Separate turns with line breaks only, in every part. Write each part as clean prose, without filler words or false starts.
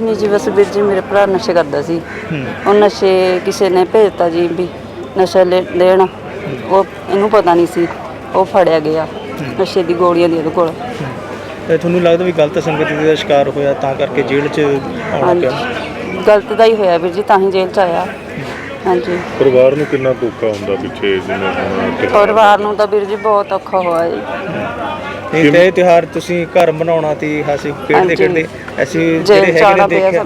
नहीं जी, बस वीर जी मेरे भरा नशे करता सी। और नशे किसी ने भेजता जी भी नशा लेना, वो इनू पता नहीं सी, वो फड़िया गया नशे दी गोलियां दी ਉਹਦੇ ਕੋਲ।
ਤੇ ਤੁਹਾਨੂੰ ਲੱਗਦਾ ਵੀ ਗਲਤ ਸੰਗਤ ਦਾ ਸ਼ਿਕਾਰ ਹੋਇਆ ਤਾਂ ਕਰਕੇ ਜੇਲ੍ਹ 'ਚ ਆਉਣਾ ਪਿਆ?
ਗਲਤ ਦਾ ਹੀ ਹੋਇਆ ਵੀਰ ਜੀ, ਤਾਂ ਹੀ ਜੇਲ੍ਹ 'ਚ ਆਇਆ। ਹਾਂਜੀ,
ਪਰਿਵਾਰ ਨੂੰ ਕਿੰਨਾ ਔਖਾ ਹੁੰਦਾ ਪਿੱਛੇ ਜਿਵੇਂ ਹੁਣ
ਪਰਿਵਾਰ ਨੂੰ ਤਾਂ ਵੀਰ ਜੀ ਬਹੁਤ ਔਖਾ ਹੋਇਆ ਜੀ।
ਇਹ ਤੇ ਤਿਉਹਾਰ ਤੁਸੀਂ ਘਰ ਬਣਾਉਣਾ ਤੇ ਹਾਸੀ ਖੇਡਦੇ ਖੇਡਦੇ ਅਸੀਂ ਜਿਹੜੇ ਹੈਗੇ ਨੇ ਦੇਖਿਆ।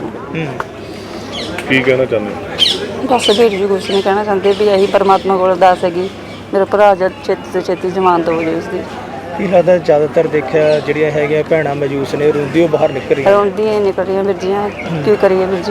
ਕੀ ਕਹਿਣਾ ਚਾਹੁੰਦੇ ਹੋ?
ਬਸ ਵੀਰ ਜੀ ਕੁਛ ਨਹੀਂ ਕਹਿਣਾ ਚਾਹੁੰਦੇ ਵੀ ਇਹੀ ਪਰਮਾਤਮਾ ਕੋਲ ਅਰਦਾਸ ਹੈਗੀ ਮੇਰਾ ਭਰਾ ਜਦ ਛੇਤੀ ਤੋਂ ਛੇਤੀ ਜ਼ਮਾਨਤ ਹੋ ਜਾਵੇ ਉਸਦੀ।
ਕੀ ਲੱਗਦਾ ਜ਼ਿਆਦਾਤਰ ਦੇਖਿਆ ਜਿਹੜੀਆਂ ਹੈਗੀਆਂ ਭੈਣਾਂ ਮਜੂਸ ਨੇ ਰੋਂਦੀ ਉਹ ਬਾਹਰ ਨਿਕਲ ਰਹੀਆਂ?
ਰੋਂਦੀਆਂ ਹੀ ਨਿਕਲ ਰਹੀਆਂ ਵੀਰ ਜੀ, ਕੀ ਕਰੀਏ ਵੀਰ ਜੀ,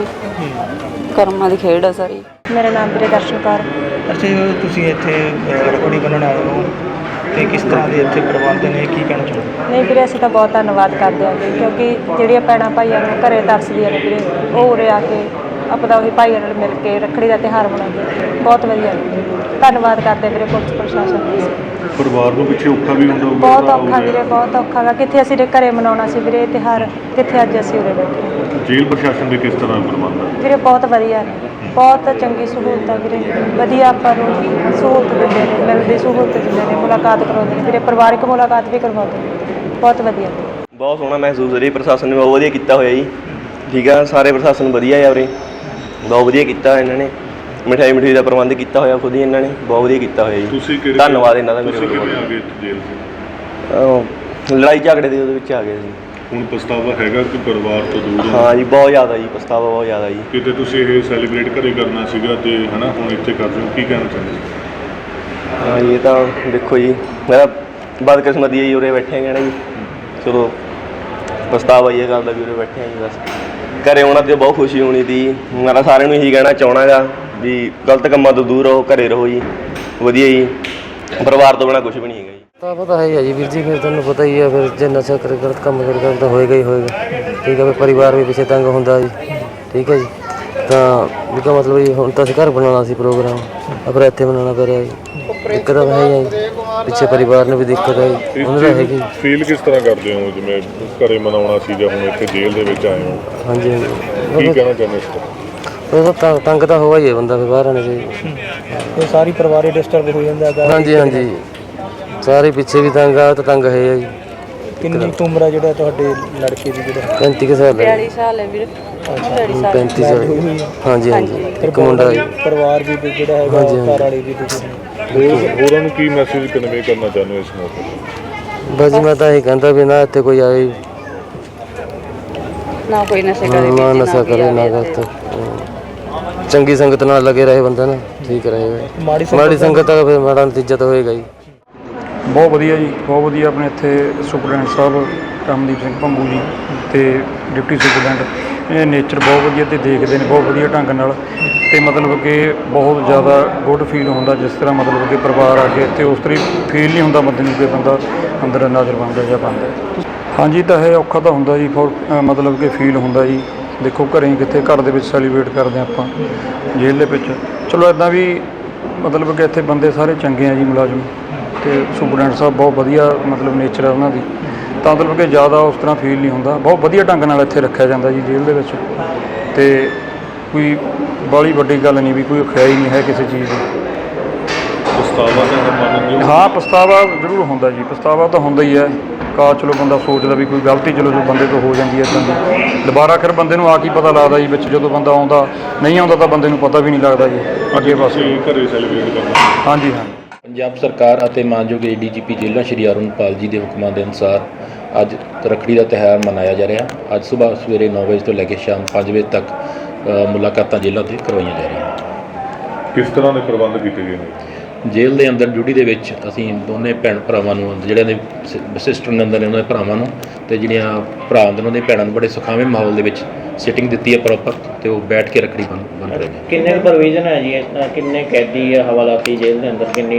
ਕਰਮਾਂ ਦੀ ਖੇਡ ਆ ਸਾਰੀ।
ਮੇਰਾ ਨਾਮ ਵੀਰੇ ਦਰਸ਼ਨ ਕੌਰ।
ਅੱਛਾ ਜੀ, ਤੁਸੀਂ ਇੱਥੇ ਰੱਖੜੀ ਬੰਨ੍ਹਣ ਆਏ ਹੋ ਤੇ ਕਿਸ ਤਰ੍ਹਾਂ ਦੇ ਇੱਥੇ ਪ੍ਰਬੰਧ ਨੇ, ਕੀ ਕਹਿਣਾ ਚਾਹੁੰਦੇ?
ਨਹੀਂ ਵੀਰੇ, ਅਸੀਂ ਤਾਂ ਬਹੁਤ ਧੰਨਵਾਦ ਕਰਦੇ ਹਾਂ ਜੀ, ਕਿਉਂਕਿ ਜਿਹੜੀਆਂ ਭੈਣਾਂ ਭਾਈਆਂ ਨੂੰ ਘਰੇ ਤਰਸਦੀਆਂ ਨੇ ਵੀਰੇ, ਉਹ ਉਰੇ ਆ ਕੇ ਆਪਣਾ ਉਹੀ ਭਾਈਆਂ ਨਾਲ ਮਿਲ ਕੇ ਰੱਖੜੀ ਦਾ ਤਿਉਹਾਰ ਮਨਾਉਂਦੇ, ਬਹੁਤ ਵਧੀਆ। ਧੰਨਵਾਦ ਕਰਦੇ ਵੀਰੇ ਪੁਲਿਸ ਪ੍ਰਸ਼ਾਸਨ ਦਾ।
ਪਰਿਵਾਰ ਨੂੰ ਪਿੱਛੇ ਔਖਾ ਵੀ ਹੁੰਦਾ ਹੋਊਗਾ?
ਬਹੁਤ ਔਖਾ ਵੀਰੇ, ਬਹੁਤ ਔਖਾ ਗਾ। ਕਿੱਥੇ ਅਸੀਂ ਘਰੇ ਮਨਾਉਣਾ ਸੀ ਵੀਰੇ ਇਹ ਤਿਉਹਾਰ, ਕਿੱਥੇ ਅੱਜ ਅਸੀਂ ਉਰੇ ਬੈਠੇ।
ਜੇਲ੍ਹ ਪ੍ਰਸ਼ਾਸਨ ਦੇ ਕਿਸ ਤਰ੍ਹਾਂ ਪ੍ਰਬੰਧ ਹੈ?
ਵੀਰੇ ਬਹੁਤ ਵਧੀਆ ਨੇ, ਬਹੁਤ ਚੰਗੀ ਸਹੂਲਤ ਆ ਵੀਰੇ, ਵਧੀਆ ਆਪਾਂ ਨੂੰ ਸਹੂਲਤ ਦਿੰਦੇ ਨੇ, ਮਿਲਦੀ ਸਹੂਲਤ ਦਿੰਦੇ ਨੇ, ਮੁਲਾਕਾਤ ਕਰਵਾਉਂਦੇ ਨੇ ਵੀਰੇ, ਪਰਿਵਾਰਿਕ ਮੁਲਾਕਾਤ ਵੀ ਕਰਵਾਉਂਦੇ ਨੇ, ਬਹੁਤ ਵਧੀਆ।
ਬਹੁਤ ਸੋਹਣਾ ਮਹਿਸੂਸ ਹੋ ਰਿਹਾ, ਪ੍ਰਸ਼ਾਸਨ ਨੇ ਬਹੁਤ ਵਧੀਆ ਕੀਤਾ ਹੋਇਆ ਜੀ। ਠੀਕ ਆ, ਸਾਰੇ ਪ੍ਰਸ਼ਾਸਨ ਵਧੀਆ ਆ ਉਰੇ, ਬਹੁਤ ਵਧੀਆ ਕੀਤਾ ਇਹਨਾਂ ਨੇ। ਮਿਠਾਈ ਦਾ ਪ੍ਰਬੰਧ ਕੀਤਾ ਹੋਇਆ ਖੁਦ ਹੀ ਇਹਨਾਂ ਨੇ, ਬਹੁਤ ਵਧੀਆ ਕੀਤਾ ਹੋਇਆ ਜੀ।
ਤੁਸੀਂ
ਧੰਨਵਾਦ ਇਹਨਾਂ ਦਾ। ਮੇਰੇ
ਕਿਵੇਂ ਆ ਗਏ ਜੇਲ੍ਹ 'ਚ?
ਲੜਾਈ ਝਗੜੇ ਦੇ ਉਹਦੇ ਵਿੱਚ ਆ ਗਏ ਸੀ।
ਹੁਣ ਪਛਤਾਵਾ ਹੈਗਾ ਕਿ ਪਰਿਵਾਰ ਤੋਂ ਦੂਰ?
ਹਾਂ ਜੀ, ਬਹੁਤ ਜ਼ਿਆਦਾ ਜੀ, ਪਛਤਾਵਾ ਬਹੁਤ ਜ਼ਿਆਦਾ ਜੀ।
ਕਿਤੇ ਤੁਸੀਂ ਇਹ ਸੈਲੀਬ੍ਰੇਟ ਘਰੇ ਕਰਨਾ ਸੀਗਾ ਤੇ ਹਨਾ ਹੁਣ ਇੱਥੇ ਕਰ ਰਹੇ ਹੋ, ਕੀ ਕਹਿਣਾ ਚਾਹੁੰਦੇ?
ਹਾਂ ਜੀ, ਇਹ ਤਾਂ ਦੇਖੋ ਜੀ, ਮੇਰਾ ਬਦਕਿਸਮਤੀ ਹੈ ਜੀ, ਉਰੇ ਬੈਠੇ ਹੈਗੇ ਨਾ ਜੀ। ਚਲੋ ਪਛਤਾਵਾ ਇਹ ਗੱਲ ਦਾ ਵੀ ਉਰੇ ਬੈਠੇ ਹਾਂ ਜੀ। ਬਸ ਘਰੇ ਆਉਣਾ ਤੇ ਬਹੁਤ ਖੁਸ਼ੀ ਹੋਣੀ ਸੀ। ਮੈਂ ਸਾਰਿਆਂ ਨੂੰ ਇਹੀ ਕਹਿਣਾ ਚਾਹੁੰਦਾ ਗਾ ਵੀ ਗਲਤ ਕੰਮਾਂ ਤੋਂ ਦੂਰ ਰਹੋ, ਘਰੇ ਰਹੋ ਜੀ, ਵਧੀਆ ਜੀ। ਪਰਿਵਾਰ ਤੋਂ ਬਿਨਾਂ ਕੁਛ ਵੀ ਨਹੀਂ ਹੈਗਾ ਜੀ।
ਤਾਂ ਪਤਾ ਹੈ ਜੀ ਵੀਰ ਜੀ, ਫਿਰ ਤੁਹਾਨੂੰ ਪਤਾ ਹੀ ਹੈ, ਫਿਰ ਜੇ ਨਸ਼ਾ ਕਰ ਗਲਤ ਕੰਮ ਕਰ ਤਾਂ ਹੋਏਗਾ ਹੀ ਹੋਏਗਾ। ਠੀਕ ਹੈ, ਫਿਰ ਪਰਿਵਾਰ ਵੀ ਪਿੱਛੇ ਤੰਗ ਹੁੰਦਾ ਜੀ। ਠੀਕ ਹੈ ਜੀ, ਤਾਂ ਵੀ ਕਾ ਮਤਲਬ ਜੀ ਹੁਣ ਤਾਂ ਅਸੀਂ ਘਰ ਬਣਾਉਣਾ ਸੀ ਪ੍ਰੋਗਰਾਮ, ਪਰ ਇੱਥੇ ਬਣਾਉਣਾ ਪੈ ਰਿਹਾ ਜੀ। ਦਿੱਕਤ ਹੈ ਜੀ, ਪਿੱਛੇ ਪਰਿਵਾਰ ਨੂੰ ਵੀ ਦਿੱਕਤ ਹੈ ਜੀ, ਉਹਨਾਂ ਦਾ ਹੈਗੀ।
ਫੀਲ ਕਿਸ ਤਰ੍ਹਾਂ ਕਰਦੇ ਹੋ ਜਿਵੇਂ ਘਰੇ ਮਨਾਉਣਾ ਸੀ ਜਾਂ ਹੁਣ ਇੱਥੇ ਜੇਲ੍ਹ ਦੇ ਵਿੱਚ ਆਏ ਹੋ?
ਹਾਂਜੀ ਹਾਂਜੀ,
ਕੀ ਕਹਿਣਾ ਚਾਹੁੰਦੇ ਇਸ ਤਰ੍ਹਾਂ?
ਉਹ ਤਾਂ ਤੰਗ ਤਾਂ ਹੋਇਆ ਹੀ ਹੈ ਬੰਦਾ, ਫਿਰ ਬਾਹਰ ਆਉਣਾ ਚਾਹੀਦਾ।
ਇਹ ਸਾਰੀ ਪਰਿਵਾਰ ਹੀ ਡਿਸਟਰਬ ਹੋ ਜਾਂਦਾ ਹੈਗਾ।
ਹਾਂਜੀ ਹਾਂਜੀ, ਸਾਰੇ ਪਿੱਛੇ ਵੀ ਤੰਗ ਆ, ਤਾਂ ਤੰਗ ਹੈ ਜੀ।
ਕਿੰਨੀ ਕੁ ਉਮਰ ਆ ਜਿਹੜਾ ਤੁਹਾਡੇ ਲੜਕੇ ਦੀ? ਜਿਹੜਾ
35 ਸਾਲ ਹੈ।
42 ਸਾਲ ਹੈ ਵੀਰ।
35 ਸਾਲ। ਹਾਂਜੀ ਹਾਂਜੀ, ਇੱਕ ਮੁੰਡਾ ਜੀ।
ਪਰਿਵਾਰ ਵੀ ਜਿਹੜਾ ਹੈਗਾ ਘਰ ਵਾਲੀ ਵੀ
ਹੋਰਾਂ ਨੂੰ ਕੀ ਮੈਸੇਜ ਕਨਵੇ ਕਰਨਾ ਚਾਹੁੰਦੇ ਹੋ ਇਸ ਮੌਕੇ?
ਬਸ ਮੈਂ ਤਾਂ ਇਹ ਕਹਿੰਦਾ ਵੀ ਨਾ ਇੱਥੇ ਕੋਈ ਆਏ
ਨਾ ਕੋਈ ਨਸ਼ੇ ਕਰੇ,
ਨਾ ਨਸ਼ਾ ਕਰੇ, ਨਾ ਗਲਤ ਚੰਗੀ ਸੰਗਤ ਨਾਲ ਲੱਗੇ ਰਹੇ ਬੰਦਾ ਨਾ ਠੀਕ ਰਹੇਗਾ। ਮਾੜੀ ਸੰਗਤ ਦਾ ਫਿਰ ਮਾੜਾ ਨਤੀਜਾ ਤਾਂ ਹੋਏਗਾ ਜੀ।
ਬਹੁਤ ਵਧੀਆ ਜੀ, ਬਹੁਤ ਵਧੀਆ। ਆਪਣੇ ਇੱਥੇ ਸੁਪਰਡੈਂਟ ਸਾਹਿਬ ਰਮਨਦੀਪ ਸਿੰਘ ਭੰਗੂ ਜੀ ਅਤੇ ਡਿਪਟੀ ਸੁਪਰਡੈਂਟ, ਇਹ ਨੇਚਰ ਬਹੁਤ ਵਧੀਆ ਅਤੇ ਦੇਖਦੇ ਨੇ ਬਹੁਤ ਵਧੀਆ ਢੰਗ ਨਾਲ, ਅਤੇ ਮਤਲਬ ਕਿ ਬਹੁਤ ਜ਼ਿਆਦਾ ਗੁੱਡ ਫੀਲ ਹੁੰਦਾ ਜਿਸ ਤਰ੍ਹਾਂ ਮਤਲਬ ਕਿ ਪਰਿਵਾਰ ਆ ਕੇ ਇੱਥੇ ਉਸ ਤਰ੍ਹਾਂ ਫੀਲ ਨਹੀਂ ਹੁੰਦਾ ਬੰਦੇ ਨੂੰ ਕਿ ਬੰਦਾ ਅੰਦਰ ਨਾਜ਼ਰ ਬਣਦਾ ਜਾਂ ਬਣਦਾ। ਹਾਂਜੀ, ਤਾਂ ਇਹ ਔਖਾ ਤਾਂ ਹੁੰਦਾ ਜੀ, ਮਤਲਬ ਕਿ ਫੀਲ ਹੁੰਦਾ ਜੀ। ਦੇਖੋ ਘਰੇ ਕਿੱਥੇ, ਘਰ ਦੇ ਵਿੱਚ ਸੈਲੀਬ੍ਰੇਟ ਕਰਦੇ ਹਾਂ ਆਪਾਂ, ਜੇਲ੍ਹ ਦੇ ਵਿੱਚ ਚਲੋ ਇੱਦਾਂ ਵੀ ਮਤਲਬ ਕਿ ਇੱਥੇ ਬੰਦੇ ਸਾਰੇ ਚੰਗੇ ਆ ਜੀ, ਮੁਲਾਜ਼ਮ ਅਤੇ ਸੁਪਰਡੈਂਟ ਸਾਹਿਬ ਬਹੁਤ ਵਧੀਆ ਮਤਲਬ ਨੇਚਰ ਆ ਉਹਨਾਂ ਦੀ, ਤਾਂ ਮਤਲਬ ਕਿ ਜ਼ਿਆਦਾ ਉਸ ਤਰ੍ਹਾਂ ਫੀਲ ਨਹੀਂ ਹੁੰਦਾ। ਬਹੁਤ ਵਧੀਆ ਢੰਗ ਨਾਲ ਇੱਥੇ ਰੱਖਿਆ ਜਾਂਦਾ ਜੀ ਜੇਲ੍ਹ ਦੇ ਵਿੱਚ, ਅਤੇ ਕੋਈ ਬਾਹਲੀ ਵੱਡੀ ਗੱਲ ਨਹੀਂ ਵੀ ਕੋਈ ਖਿਆਲ ਹੀ ਨਹੀਂ ਹੈ ਕਿਸੇ ਚੀਜ਼ ਦੀ। ਹਾਂ, ਪਛਤਾਵਾ ਜ਼ਰੂਰ ਹੁੰਦਾ ਜੀ, ਪਛਤਾਵਾ ਤਾਂ ਹੁੰਦਾ ਹੀ ਹੈ। ਚਲੋ ਬੰਦਾ ਸੋਚਦਾ ਵੀ ਕੋਈ ਗਲਤੀ ਚਲੋ ਜੋ ਬੰਦੇ ਤੋਂ ਹੋ ਜਾਂਦੀ ਹੈ ਇੱਦਾਂ ਦੀ, ਦੁਬਾਰਾ ਫਿਰ ਬੰਦੇ ਨੂੰ ਆ ਕੀ ਪਤਾ ਲੱਗਦਾ ਜੀ ਵਿੱਚ, ਜਦੋਂ ਬੰਦਾ ਆਉਂਦਾ ਨਹੀਂ ਆਉਂਦਾ ਤਾਂ ਬੰਦੇ ਨੂੰ ਪਤਾ ਵੀ ਨਹੀਂ ਲੱਗਦਾ ਜੀ ਅੱਗੇ ਪਾਸੇ।
ਘਰੇ ਸੈਲੀਬ੍ਰੇਟ ਕਰਨਾ?
ਹਾਂਜੀ ਹਾਂ।
ਪੰਜਾਬ ਸਰਕਾਰ ਅਤੇ ਮਾਨਯੋਗ ਡੀਜੀਪੀ ਜੇਲ੍ਹਾਂ ਸ਼੍ਰੀ ਅਰੁਣਪਾਲ ਜੀ ਦੇ ਹੁਕਮਾਂ ਦੇ ਅਨੁਸਾਰ ਅੱਜ ਰੱਖੜੀ ਦਾ ਤਿਉਹਾਰ ਮਨਾਇਆ ਜਾ ਰਿਹਾ। ਅੱਜ ਸੁਬਾਹ ਸਵੇਰੇ 9 ਵਜੇ ਤੋਂ ਲੈ ਕੇ ਸ਼ਾਮ 5 ਵਜੇ ਤੱਕ ਮੁਲਾਕਾਤਾਂ ਜੇਲ੍ਹਾਂ 'ਤੇ ਕਰਵਾਈਆਂ ਜਾ ਰਹੀਆਂ।
ਕਿਸ ਤਰ੍ਹਾਂ ਦੇ ਪ੍ਰਬੰਧ ਕੀਤੇ ਗਏ ਨੇ?
ਜੇਲ੍ਹ ਦੇ ਅੰਦਰ ਡਿਊਟੀ ਦੇ ਵਿੱਚ ਅਸੀਂ ਦੋਨੇ ਭੈਣ ਭਰਾਵਾਂ ਨੂੰ, ਜਿਹੜਿਆਂ ਦੇ ਸਿਸਟਰ ਨੇ ਅੰਦਰ ਨੇ ਉਹਨਾਂ ਦੇ ਭਰਾਵਾਂ ਨੂੰ, ਅਤੇ ਜਿਹੜੀਆਂ ਭਰਾ ਹੁੰਦੇ ਨੇ ਉਹਨਾਂ ਦੇ ਭੈਣਾਂ ਨੂੰ ਬੜੇ ਸੁਖਾਵੇਂ ਮਾਹੌਲ ਦੇ ਵਿੱਚ ਸਿਟਿੰਗ ਦਿੱਤੀ ਹੈ ਪ੍ਰੋਪਰ, ਅਤੇ ਉਹ ਬੈਠ ਕੇ ਰੱਖੜੀ ਬੰਨ ਰਹੇ ਨੇ।
ਕਿੰਨੇ ਪ੍ਰੋਵੀਜ਼ਨ ਹੈ ਜੀ, ਕਿੰਨੇ ਕੈਦੀ ਆ ਹਵਾਲਾਤੀ ਜੇਲ੍ਹ ਦੇ ਅੰਦਰ, ਕਿੰਨੀ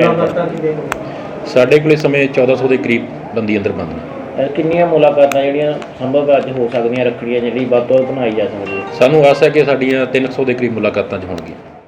ਸਾਡੇ ਕੋਲ ਇਸ ਸਮੇਂ 1400 ਦੇ ਕਰੀਬ ਬੰਦੀ ਅੰਦਰ ਬੰਦ ਨੇ।
ਕਿੰਨੀਆਂ ਮੁਲਾਕਾਤਾਂ ਜਿਹੜੀਆਂ ਸੰਭਵ ਅੱਜ ਹੋ ਸਕਦੀਆਂ ਰੱਖੜੀਆਂ ਜਿਹੜੀ ਵੱਧ ਤੋਂ ਵੱਧ ਬਣਾਈ ਜਾ ਸਕਦੀ ਹੈ?
ਸਾਨੂੰ ਆਸ ਹੈ ਕਿ ਸਾਡੀਆਂ 300 ਦੇ ਕਰੀਬ ਮੁਲਾਕਾਤਾਂ 'ਚ ਹੋਣਗੀਆਂ।